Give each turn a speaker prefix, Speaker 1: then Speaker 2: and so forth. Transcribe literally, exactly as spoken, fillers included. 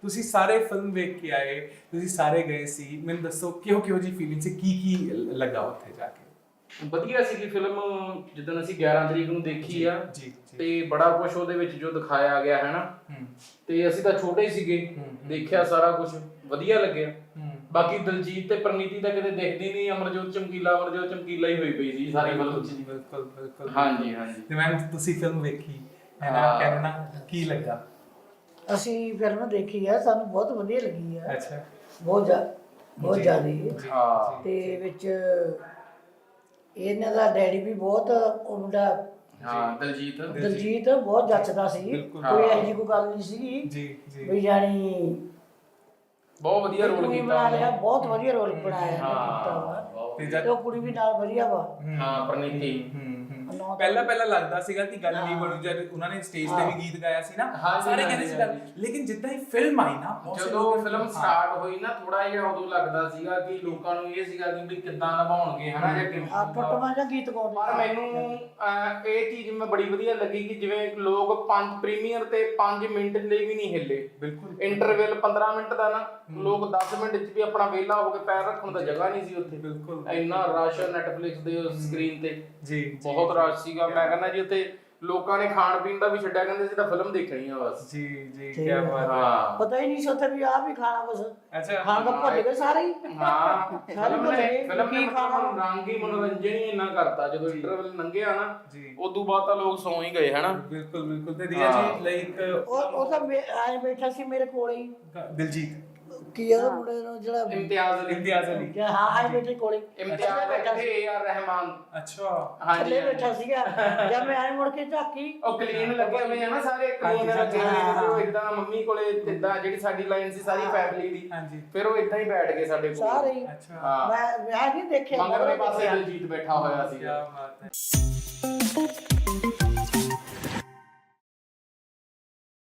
Speaker 1: ਤੁਸੀਂ ਸਾਰੇ ਫਿਲਮ ਵੇਖ ਕੇ ਆਏ, ਤੁਸੀਂ ਸਾਰੇ ਗਏ ਸੀ, ਮੈਨੂੰ ਦੱਸੋ ਕਿਹੋ ਕਿਹੋ ਜੀ ਫੀਲਿੰਗ ਸੀ, ਕੀ ਕੀ ਲੱਗਾ ਉੱਥੇ ਜਾ ਕੇ?
Speaker 2: ਵਧੀਆ ਸੀਗੀ ਫਿਲਮ। ਜਿੱਦਣ ਅਸੀਂ ਗਿਆਰਾਂ ਤਰੀਕ ਨੂੰ ਦੇਖੀ ਆ
Speaker 1: ਜੀ
Speaker 2: ਤੇ ਬੜਾ ਕੁਝ ਉਹਦੇ ਵਿੱਚ ਜੋ ਦਿਖਾਇਆ ਗਿਆ ਹੈ ਨਾ, ਤੇ ਅਸੀਂ ਤਾਂ ਛੋਟੇ ਹੀ ਸੀਗੇ, ਦੇਖਿਆ ਸਾਰਾ ਕੁਝ ਵਧੀਆ ਲੱਗਿਆ। ਬਾਕੀ ਦਲਜੀਤ ਤੇ ਪ੍ਰਨੀਤੀ ਤਾਂ ਕਿਤੇ ਦਿਖਦੀ ਨਹੀਂ, ਅਮਰਜੋਤ ਚਮਕੀਲਾ ਅਮਰਜੋਤ ਚਮਕੀਲਾ ਹੀ ਹੋਈ ਪਈ ਸੀ ਸਾਰੀ ਫਿਲਮ 'ਚ।
Speaker 1: ਬਿਲਕੁਲ ਬਿਲਕੁਲ।
Speaker 2: ਹਾਂਜੀ ਹਾਂਜੀ।
Speaker 1: ਤੇ ਮੈਂ ਤੁਸੀਂ ਫਿਲਮ ਵੇਖੀ ਹੈ ਨਾ, ਕਹਿਣਾ ਕੀ ਲੱਗਾ?
Speaker 3: ਅਸੀਂ ਫਿਲਮ ਦੇਖੀ ਆ, ਸਾਨੂੰ ਬਹੁਤ ਵਧੀਆ ਲੱਗੀ ਆ।
Speaker 1: ਅੱਛਾ।
Speaker 3: ਬਹੁਤ ਜ਼ਿਆਦਾ ਬਹੁਤ ਜ਼ਿਆਦਾ।
Speaker 2: ਹਾਂ
Speaker 3: ਤੇ ਵਿੱਚ ਇਹਨਾਂ ਦਾ ਡੈਡੀ ਵੀ ਬਹੁਤ, ਉਹ ਮੁੰਡਾ
Speaker 2: ਹਾਂ ਦਲਜੀਤ
Speaker 3: ਦਲਜੀਤ ਬਹੁਤ ਜੱਚਦਾ ਸੀ, ਕੋਈ ਇਹੋ ਜਿਹੀ ਕੋਈ ਗੱਲ ਨਹੀਂ ਸੀਗੀ
Speaker 1: ਜੀ ਜੀ।
Speaker 3: ਵੀ ਜਾਣੀ
Speaker 2: ਬਹੁਤ ਵਧੀਆ ਰੋਲ
Speaker 3: ਕੁੜੀ
Speaker 2: ਕੀਤਾ
Speaker 3: ਬਣਾ ਲਿਆ,
Speaker 2: ਉਹਨੇ।
Speaker 3: ਬਹੁਤ ਵਧੀਆ ਰੋਲ ਬਣਾਇਆ ਕੀਤਾ ਵਾ।
Speaker 2: ਬਹੁਤ
Speaker 1: ਤੇ
Speaker 2: ਵਧੀਆ।
Speaker 3: ਤੇ ਉਹ ਕੁੜੀ ਵੀ ਨਾਲ ਵਧੀਆ ਵਾ।
Speaker 2: ਹਾਂ ਪ੍ਰਨੀਤੀ।
Speaker 1: ਪਹਿਲਾਂ ਪਹਿਲਾਂ ਲੱਗਦਾ ਸੀਗਾ ਕਿ ਗੱਲ ਨਹੀਂ ਬਣੂ, ਜਦ ਉਹਨਾਂ ਨੇ ਸਟੇਜ ਤੇ ਵੀ ਗੀਤ ਗਾਇਆ ਸੀ ਨਾ, ਸਾਰੇ ਕਹਿੰਦੇ ਸੀ ਗੱਲ, ਲੇਕਿਨ ਜਿੱਦਾਂ ਹੀ ਫਿਲਮ ਆਈ ਨਾ,
Speaker 2: ਜਦੋਂ ਫਿਲਮ ਸਟਾਰਟ ਹੋਈ ਨਾ, ਥੋੜਾ ਜਿਹਾ ਉਦੋਂ ਲੱਗਦਾ ਸੀਗਾ ਕਿ ਲੋਕਾਂ ਨੂੰ ਇਹ ਸੀਗਾ ਕਿ ਵੀ ਕਿੱਦਾਂ ਨਿਭਾਉਣਗੇ ਹਨਾ, ਜਾਂ ਕਿਵੇਂ।
Speaker 3: ਆ ਫਟਵਾ ਜਾਂ ਗੀਤ ਗਾਉਂਦੇ।
Speaker 2: ਪਰ ਮੈਨੂੰ ਅਹ, ਇਹ ਚੀਜ਼ ਮੈਂ ਬੜੀ ਵਧੀਆ ਲੱਗੀ ਕਿ ਜਿਵੇਂ ਲੋਕ ਪੰਜ ਪ੍ਰੀਮੀਅਰ ਤੇ ਪੰਜ ਮਿੰਟ ਲਈ ਵੀ ਨਹੀਂ ਹਿੱਲੇ।
Speaker 1: ਬਿਲਕੁਲ।
Speaker 2: ਇੰਟਰਵਲ ਪੰਦਰਾਂ ਮਿੰਟ ਦਾ ਨਾ, ਲੋਕ ਦਸ ਮਿੰਟ ਚ ਵੀ ਆਪਣਾ ਵਿਹਲਾ ਹੋ ਕੇ ਪੈਰ ਰੱਖਣ ਦਾ ਜਗ੍ਹਾ ਨਹੀਂ ਸੀ ਉੱਥੇ।
Speaker 1: ਬਿਲਕੁਲ।
Speaker 2: ਇੰਨਾ ਰਸ਼ ਨੈਟਫਲਿਕਸ ਦੇ ਸਕਰੀਨ ਤੇ
Speaker 1: ਜੀ
Speaker 2: ਬਹੁਤ ਰਸ਼ ਸੀਗਾ। ਮੈਂ ਕਹਿੰਦਾ ਜੀ ਉੱਥੇ ਲੋਕਾਂ ਨੇ ਖਾਣ ਪੀਣ ਦਾ ਵੀ ਛੱਡਿਆ, ਕਹਿੰਦੇ ਸੀ ਤਾਂ ਫਿਲਮ ਦੇਖਣੀ ਆ ਬਸ।
Speaker 1: ਜੀ ਜੀ, ਕੀ ਬਾਤ ਹੈ।
Speaker 2: ਹਾਂ
Speaker 3: ਪਤਾ ਹੀ ਨਹੀਂ ਸੀ ਉੱਥੇ ਵੀ ਆਹ ਵੀ ਖਾਣਾ ਬਸ।
Speaker 1: ਅੱਛਾ।
Speaker 3: ਖਾਣ ਦਾ ਭੁੱਲ ਗਏ ਸਾਰੇ ਹੀ।
Speaker 2: ਹਾਂ ਫਿਲਮ ਨੇ ਫਿਲਮ ਨੇ
Speaker 3: ਕੀ ਖਾਣਾ?
Speaker 2: ਰੰਗ ਹੀ ਮਨੋਰੰਜਨ ਹੀ ਇੰਨਾ ਕਰਤਾ। ਜਦੋਂ ਇੰਟਰਵਲ ਲੰਘਿਆ ਨਾ,
Speaker 1: ਜੀ।
Speaker 2: ਉਦੋਂ ਬਾਅਦ ਤਾਂ ਲੋਕ ਸੌਂ ਹੀ ਗਏ ਹਨਾ।
Speaker 1: ਬਿਲਕੁਲ ਬਿਲਕੁਲ। ਤੇ ਰੀਆ ਜੀ ਲਾਈਕ
Speaker 3: ਉਹ ਉਹ ਤਾਂ ਆਏ ਬੈਠਾ ਸੀ ਮੇਰੇ ਕੋਲ ਹੀ।
Speaker 1: ਦਿਲਜੀਤ
Speaker 3: ਕੀ ਆ ਉਹ ਮੁੰਡੇ ਨੂੰ ਜਿਹੜਾ
Speaker 2: ਇਮਤਿਆਜ਼ ਅਲੀ।
Speaker 1: ਇਮਤਿਆਜ਼ ਅਲੀ।
Speaker 3: ਕਿ ਹਾਂ ਆਏ ਬੈਠੇ ਕੋਲੇ
Speaker 2: ਇਮਤਿਆਜ਼ ਬੈਠਾ ਸੀ। A R Rahman.
Speaker 1: ਅੱਛਾ।
Speaker 2: ਹਾਂਜੀ
Speaker 3: ਥੱਲੇ ਬੈਠਾ ਸੀਗਾ। ਜਦ ਮੈਂ ਆਏ ਮੁੜ ਕੇ ਝਾਕੀ,
Speaker 2: ਉਹ ਕਲੀਨ ਲੱਗੇ ਹੋਏ ਆ ਨਾ, ਸਾਰੇ ਕਲੀਨ ਲੱਗੇ ਹੋਏ ਆ। ਤੇ ਉਹ ਇਦਾਂ ਮੰਮੀ ਕੋਲੇ ਇਦਾਂ ਜਿਹੜੀ ਸਾਡੀ ਲਾਈਨ ਸੀ ਸਾਰੀ ਫੈਮਿਲੀ ਦੀ,
Speaker 1: ਹਾਂਜੀ।
Speaker 2: ਫਿਰ ਉਹ ਇਦਾਂ ਹੀ ਬੈਠ ਗਏ ਸਾਡੇ ਕੋਲ
Speaker 3: ਸਾਰੇ ਹੀ।
Speaker 1: ਅੱਛਾ।
Speaker 2: ਹਾਂ
Speaker 3: ਮੈਂ ਮੈਂ ਨਹੀਂ ਦੇਖਿਆ
Speaker 2: ਮਗਰਲੇ ਪਾਸੇ ਦਲਜੀਤ ਬੈਠਾ ਹੋਇਆ ਸੀ।
Speaker 1: ਕੀ ਬਾਤ ਹੈ।